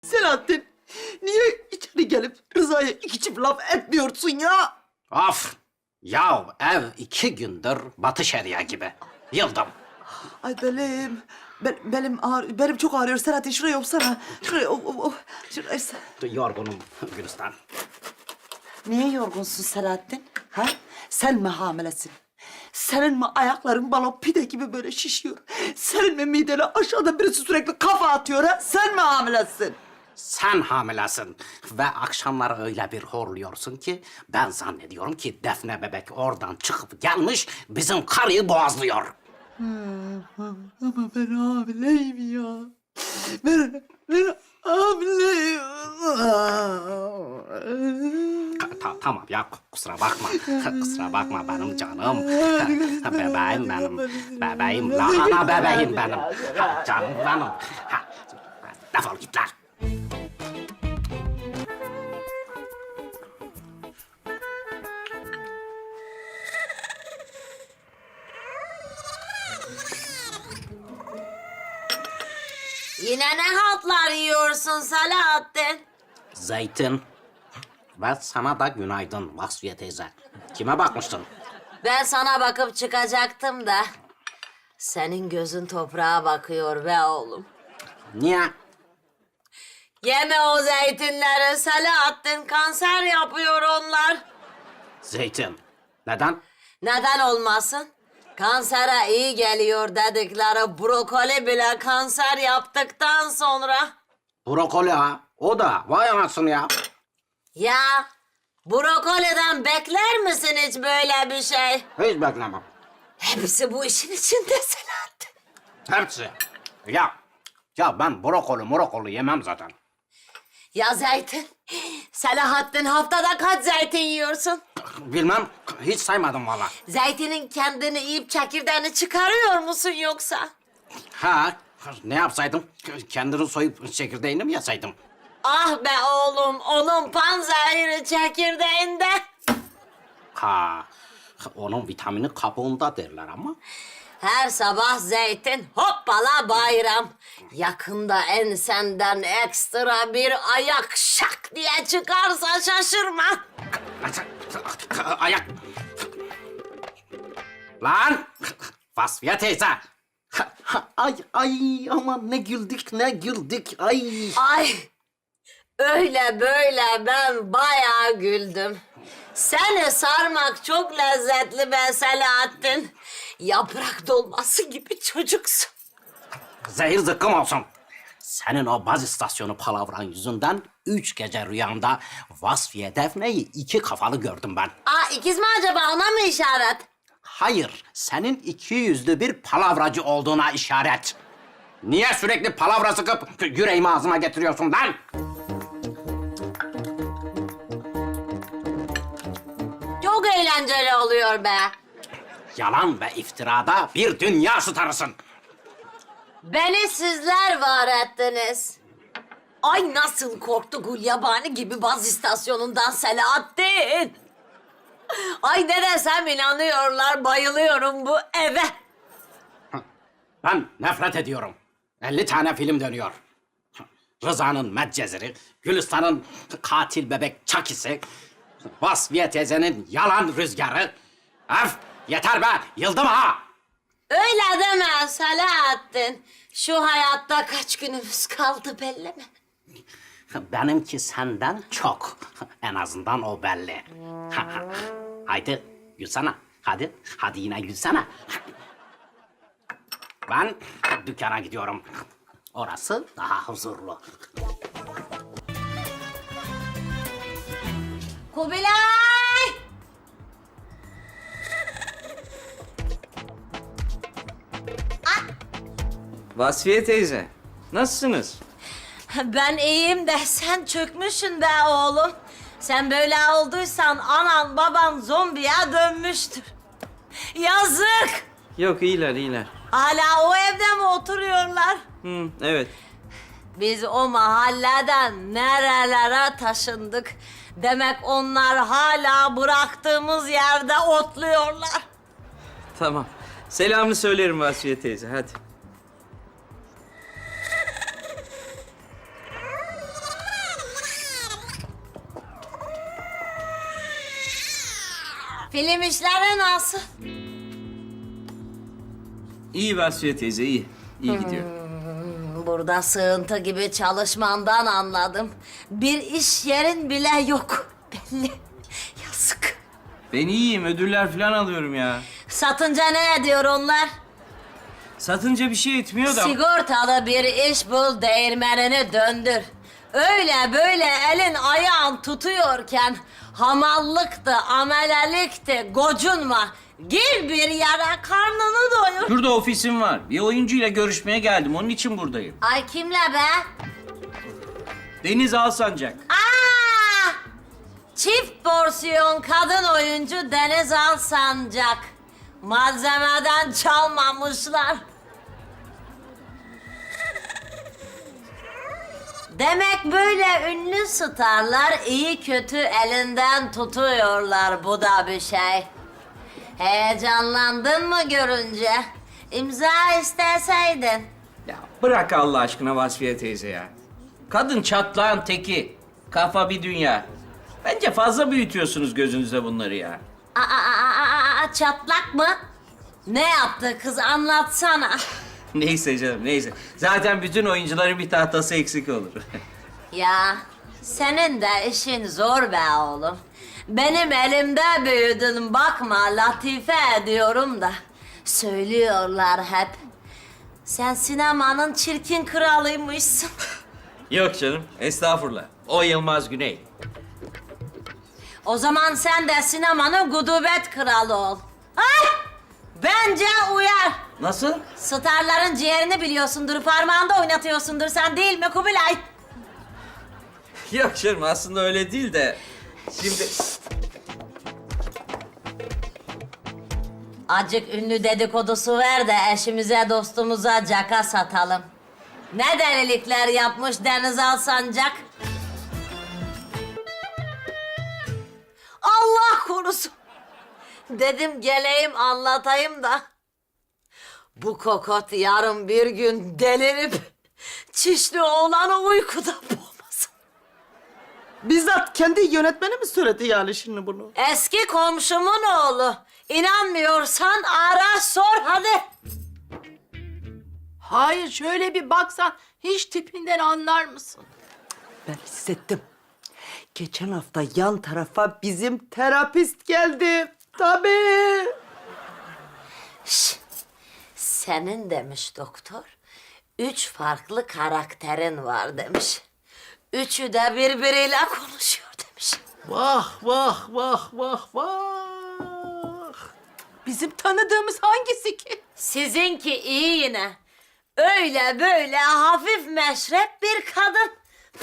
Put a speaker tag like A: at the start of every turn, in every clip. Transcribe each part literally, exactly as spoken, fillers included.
A: Selahattin, niye içeri gelip Rıza'ya iki çift laf etmiyorsun ya?
B: Of! Ya ev iki gündür Batı Şeria gibi. Yıldım.
A: Ay belim, ben, belim ağrı, belim çok ağrıyor Selahattin. Şuraya yapsana. Şuraya, oh, oh, oh. Şuraya.
B: Yorgunum Gülistan.
A: Niye yorgunsun Selahattin? Ha? Sen mi hamilesin? Senin mi ayakların balon pide gibi böyle şişiyor? Senin mi midene aşağıda birisi sürekli kafa atıyor ha? Sen mi hamilesin?
B: Sen hamilesin ve akşamları öyle bir horluyorsun ki ben zannediyorum ki Defne bebek oradan çıkıp gelmiş bizim karıyı boğazlıyor.
A: Ama ben hamileyim ya. Ben, ben hamileyim.
B: Ta- tamam ya kusura bakma. Kusura bakma benim canım. Bebeğim benim. Bebeğim. Lahana bebeğim benim. Ha, canım benim. Ha, defol git lan.
C: Yine ne haltlar yiyorsun Selahattin?
B: Zeytin. Ve sana da günaydın Vasfiye teyze. Kime bakmıştın?
C: Ben sana bakıp çıkacaktım da... Senin gözün toprağa bakıyor be oğlum.
B: Niye?
C: Yeme o zeytinleri Selahattin, kanser yapıyor onlar.
B: Zeytin. Neden?
C: Neden olmasın? Kansere iyi geliyor dedikleri brokoli bile kanser yaptıktan sonra...
B: Brokoli ha. O da. Vay anasını ya.
C: Ya brokoliden bekler misin hiç böyle bir şey?
B: Hiç beklemem.
C: Hepsi bu işin içinde Selahattin.
B: Hepsi. Ya. Ya ben brokoli morokoli yemem zaten.
C: Ya zeytin? Selahattin haftada kaç zeytin yiyorsun?
B: Bilmem. Hiç saymadım valla.
C: Zeytinin kendini yiyip çekirdeğini çıkarıyor musun yoksa?
B: Ha. Ne yapsaydım? Kendini soyup çekirdeğini mi yesaydım?
C: Ah be oğlum, onun panzehiri çekirdeğinde.
B: Ha. Onun vitamini kabuğunda derler ama.
C: Her sabah zeytin, hoppala bayram. Yakında ensenden ekstra bir ayak şak diye çıkarsa şaşırma.
B: Ayak. Lan. Vasfiye teyze. Ay ay aman ne güldük ne güldük ay.
C: Ay, öyle böyle ben bayağı güldüm. Seni sarmak çok lezzetli be Selahattin. Yaprak dolması gibi çocuksun.
B: Zehir zıkkım olsun. Senin o baz istasyonu palavran yüzünden üç gece rüyamda Vasfiye Defne'yi iki kafalı gördüm ben.
C: Aa, ikiz mi acaba, ona mı işaret?
B: Hayır, senin iki yüzlü bir palavracı olduğuna işaret. Niye sürekli palavra sıkıp yüreğimi ağzıma getiriyorsun lan?
C: Çok eğlenceli oluyor be.
B: Yalan ve iftirada bir dünya starısın.
C: Beni sizler var ettiniz. Ay nasıl korktu Gulyabani gibi baz istasyonundan Selahattin. Ay ne desem inanıyorlar, bayılıyorum bu eve.
B: Ben nefret ediyorum. elli tane film dönüyor. Rıza'nın Medcezir'i, Gülistan'ın katil bebek Çakisi, Vasfiye teyzenin yalan rüzgarı. Öf, yeter be, yıldım ha!
C: Öyle deme Selahattin. Şu hayatta kaç günümüz kaldı belli mi?
B: Benimki senden çok. En azından o belli. Haydi gülsene. Hadi, hadi yine gülsene. Ben dükkana gidiyorum. Orası daha huzurlu.
C: Kubilay!
D: Vasfiye teyze, nasılsınız?
C: Ben iyiyim de sen çökmüşsün be oğlum. Sen böyle olduysan anan baban zombiye dönmüştür. Yazık!
D: Yok, iyiler, iyiler.
C: Hala o evde mi oturuyorlar?
D: Hı, evet.
C: Biz o mahalleden nerelere taşındık. Demek onlar hala bıraktığımız yerde otluyorlar.
D: Tamam. Selamını söylerim Vasfiye teyze, hadi.
C: Film işleri nasıl?
D: İyi Vasfiye teyze, iyi. İyi gidiyor.
C: Burada sığıntı gibi çalışmandan anladım. Bir iş yerin bile yok. Belli. Yazık.
D: Ben iyiyim, ödüller falan alıyorum ya.
C: Satınca ne ediyor onlar?
D: Satınca bir şey etmiyor da...
C: Sigortalı bir iş bul, değirmenini döndür. Öyle böyle elin ayağın tutuyorken hamallıktı, amelelikti, gocunma. Gir bir yere karnını doyur.
D: Şurada ofisim var. Bir oyuncuyla görüşmeye geldim, onun için buradayım.
C: Ay kimle be?
D: Deniz Alsancak.
C: Aa! Çift porsiyon kadın oyuncu Deniz Alsancak. Malzemeden çalmamışlar. Demek böyle ünlü starlar iyi kötü elinden tutuyorlar, bu da bir şey. Heyecanlandın mı görünce? İmza isteseydin.
D: Ya bırak Allah aşkına Vasfiye teyze ya. Kadın çatlağın teki. Kafa bir dünya. Bence fazla büyütüyorsunuz gözünüzde bunları ya.
C: Aa, aa, aa, aa, çatlak mı? Ne yaptı kız, anlatsana.
D: Neyse canım, neyse. Zaten bütün oyuncuların bir tahtası eksik olur.
C: Ya senin de işin zor be oğlum. Benim elimde büyüdün, bakma latife ediyorum da. Söylüyorlar hep. Sen sinemanın çirkin kralıymışsın.
D: Yok canım, estağfurullah. O Yılmaz Güney.
C: O zaman sen de sinemanın gudubet kralı ol. Ay! Bence uyar.
D: Nasıl?
C: Starların ciğerini biliyorsundur, parmağında oynatıyorsundur sen, değil mi Kubilay?
D: Yok canım, aslında öyle değil de... Şimdi...
C: Acık ünlü dedikodusu ver de eşimize dostumuza caka satalım. Ne delilikler yapmış Deniz Alsancak? Allah korusun. Dedim geleyim anlatayım da. Bu kokot yarın bir gün delirip çişli oğlanı uykuda boğmasın.
A: Bizzat kendi yönetmeni mi söyledi yani şimdi bunu?
C: Eski komşumun oğlu. İnanmıyorsan ara sor hadi.
E: Hayır, şöyle bir baksan hiç tipinden anlar mısın?
A: Ben hissettim. Geçen hafta yan tarafa bizim terapist geldi. Tabii.
C: Şş, senin demiş doktor, üç farklı karakterin var demiş. Üçü de birbiriyle konuşuyor demiş.
E: Vah vah vah vah vah. Bizim tanıdığımız hangisi ki?
C: Sizinki iyi yine. Öyle böyle hafif meşrep bir kadın.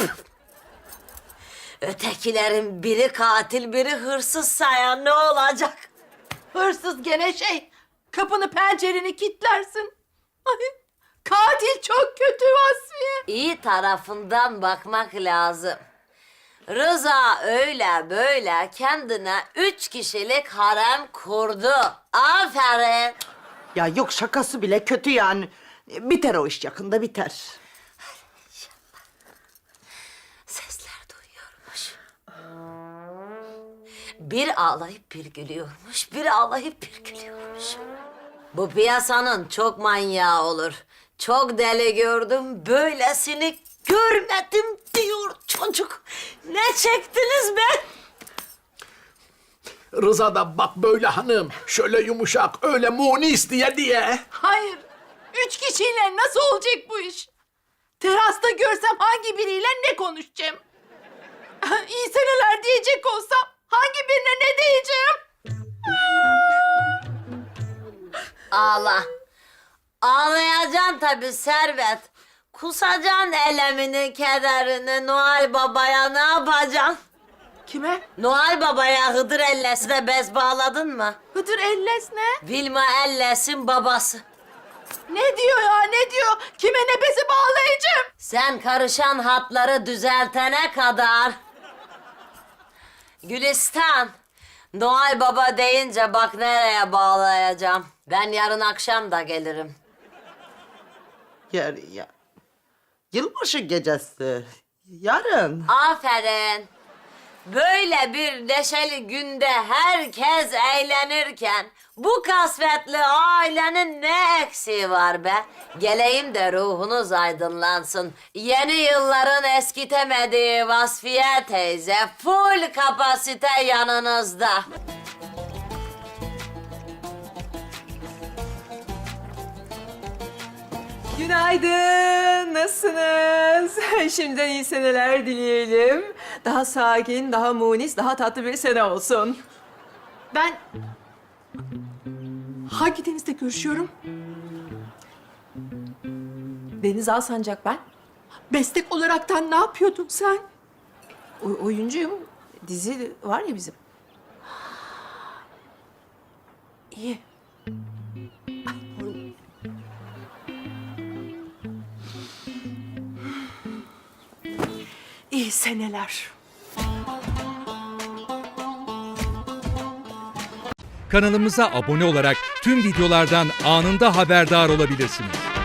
C: Ötekilerin biri katil, biri hırsız sayan ne olacak?
E: Hırsız gene şey, kapını pencereni kilitlersin. Ay, katil çok kötü Vasfiye.
C: İyi tarafından bakmak lazım. Rıza öyle böyle kendine üç kişilik harem kurdu. Aferin.
A: Ya yok şakası bile kötü yani. Biter o iş yakında biter.
C: Sesler duyuyormuş. Bir ağlayıp bir gülüyormuş, bir ağlayıp bir gülüyormuş. Bu piyasanın çok manyağı olur. Çok deli gördüm, böylesini görmedim diyor çocuk. Ne çektiniz be?
F: Rıza da bak böyle hanım, şöyle yumuşak, öyle munis diye diye.
E: Hayır, üç kişiyle nasıl olacak bu iş? Terasta görsem hangi biriyle ne konuşacağım? İyi seneler diyecek olsam hangi birine ne diyeceğim?
C: Ağla. Ağlayacaksın tabii Servet. Kusacaksın elemini, kederini. Noel Baba'ya ne yapacaksın?
E: Kime?
C: Noel Baba'ya Hıdır Elles'e bez bağladın mı?
E: Hıdır Elles ne?
C: Vilma Elles'in babası.
E: Ne diyor ya, ne diyor? Kime ne bezi bağlayacağım?
C: Sen karışan hatları düzeltene kadar. Gülistan, Noel Baba deyince bak nereye bağlayacağım. Ben yarın akşam da gelirim.
A: Yani ya. Yılbaşı gecesi. Yarın.
C: Aferin. Böyle bir neşeli günde herkes eğlenirken bu kasvetli ailenin ne eksiği var be? Geleyim de ruhunuz aydınlansın. Yeni yılların eskitemediği Vasfiye teyze full kapasite yanınızda.
G: Günaydın, nasılsınız? Şimdiden iyi seneler dileyelim. Daha sakin, daha munis, daha tatlı bir sene olsun.
E: Ben hangi denizde görüşüyorum?
G: Deniz Alsancak ben.
E: Meslek olaraktan ne yapıyordun sen?
G: O- oyuncuyum. Dizi var ya bizim.
E: İyi. İyi seneler.
H: Kanalımıza abone olarak tüm videolardan anında haberdar olabilirsiniz.